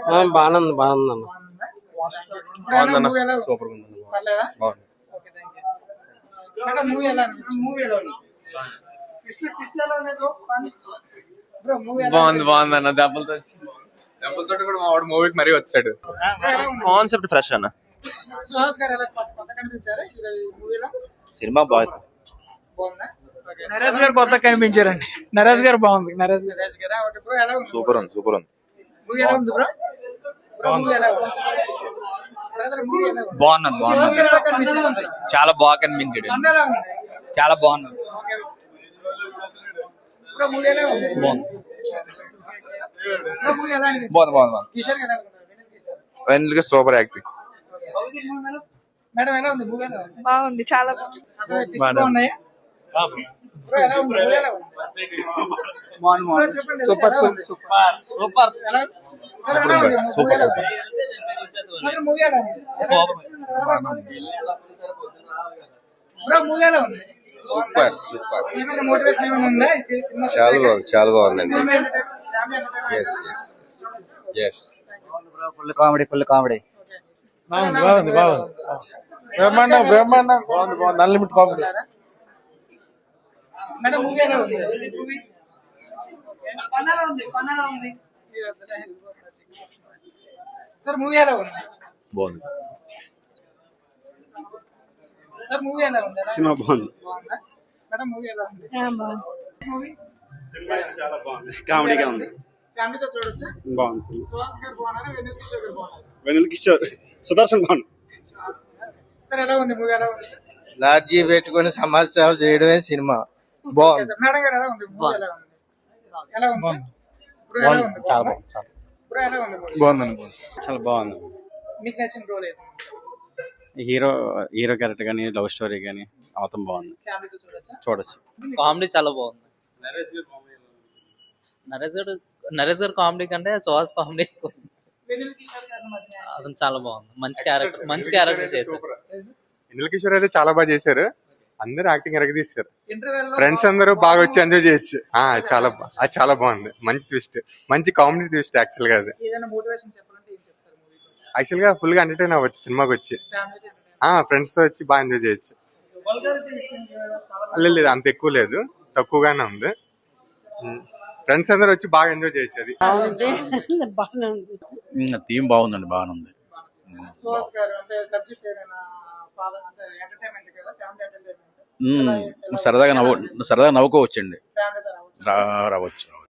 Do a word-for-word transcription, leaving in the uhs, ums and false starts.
బాగానే ఉంది బాగుంది అన్న. బాగుందన్న సూపర్ గా ఉందన్న. బాగుంది. బాగుంది బాగుంది అన్న. దెబ్బలతో దెబ్బలతో కూడా మా వాడు మూవీకి మరీ వచ్చాడు. కాన్సెప్ట్ ఫ్రెష్ అన్న. సినిమా బాగుంది. నరేష్ గారు కొత్త కనిపించారండి. నరేష్ గారు బాగుంది. నరేష్ నరేష్ గారు సూపర్ ఉంది సూపర్ ఉంది. బాగున్నది బాగున్నది. చాలా బాగా కనిపించాడు. చాలా బాగున్నది. బాగుంది బాగుంది. Vennela super acting. బాగుంది చాలా బాగుంది. Super super super super super super. చాలా బాగుంది చాలా బాగుందండి. Yes yes yes. Full comedy full comedy. బాగుంది బాగుంది బాగుంది. బ్రహ్మాండం బ్రహ్మాండం బాగుంది బాగుంది. అన్లిమిట్ కామెడీ. సార్ మూవీ ఎలా ఉంది? బాగుంది. సార్ మూవీ ఎలా ఉంది? సినిమా బాగుంది. మేడం మూవీ ఎలా ఉంది? మూవీ చాలా బాగుంది. కామెడీగా ఉంది. ఫ్యామిలీతో చూడొచ్చా? బాగుంది. సుహాస్ గారు బాగున్నారా? వెన్నెల కిషోర్ గారు బాగున్నారా? వెన్నెల కిషోర్ సుదర్శన్ బాగుంది. సార్ ఎలా ఉంది మూవీ? ఎలా ఉంది? లాడ్జీ పెట్టుకుని సమాజ సేవ చేయడమే సినిమా. బాగుంది. మేడం గారు ఎలా ఉంది మూవీ? ఎలా ఉంది? ఎలా ఉంది? బ్రో ఎలా ఉంది? చాలా బాగుంది. బ్రో ఎలా ఉంది మూవీ? బాగుందండి. చాలా బాగుంది. మీకు నచ్చిన రోల్ ఏది? హీరో హీరో క్యారెక్టర్ కానీ లవ్ స్టోరీ కానీ అవతం బాగుంది. ఫ్యామిలీతో చూడొచ్చా? చూడొచ్చు. కామెడీ చాలా బాగుంది. నరేష్ గారు నరేష్ గారు కామెడీ కంటే సుహాస్ కామెడీ వెన్నెల కిషోర్ గారి మధ్య అతను చాలా బాగుంది. మంచి క్యారెక్టర్ మంచి క్యారెక్టర్ చేశారు. వెన్నెల కిషోర్ అయితే చాలా బాగా చేశారు. అందరూ యాక్టింగ్ ఎరగదీశారు. ఇంటర్వెల్ లో ఫ్రెండ్స్ అందరూ బాగా వచ్చి ఎంజాయ్ చేయొచ్చు. ఆ చాలా బా- అది చాలా బాగుంది. మంచి ట్విస్ట్, మంచి కామెడీ ట్విస్ట్. యాక్చువల్ గా అది ఏదైనా మోటివేషన్ చెప్పాలంటే ఏం చెప్తారు మూవీ కోసం? యాక్చువల్ గా ఫుల్ గా ఎంటర్టైన్ అవ్వచ్చు సినిమాకి వచ్చి. ఫ్యామిలీతో ఆ ఫ్రెండ్స్ తో వచ్చి బాగా ఎంజాయ్ చేయొచ్చు. వల్గారిటీ విషయం చాలా లేదు లేదు అంత ఎక్కువ లేదు, తక్కువగానే ఉంది. ఫ్రెండ్స్ అందరూ వచ్చి బాగా ఎంజాయ్ చేయొచ్చు. అది థీమ్ బాగుందండి. బాగానే ఉంది. సుహాస్ గారు అంటే సబ్జెక్ట్ ఏమైనా ఫాదర్ అంటే ఎంటర్టైన్మెంట్ కదా, ఫ్యామిలీ ఎంటర్టైన్మెంట్ సరదాగా నవ్వు సరదాగా నవ్వుకోవచ్చండి. ఫ్యామిలీతో రావచ్చు. రా- రావచ్చు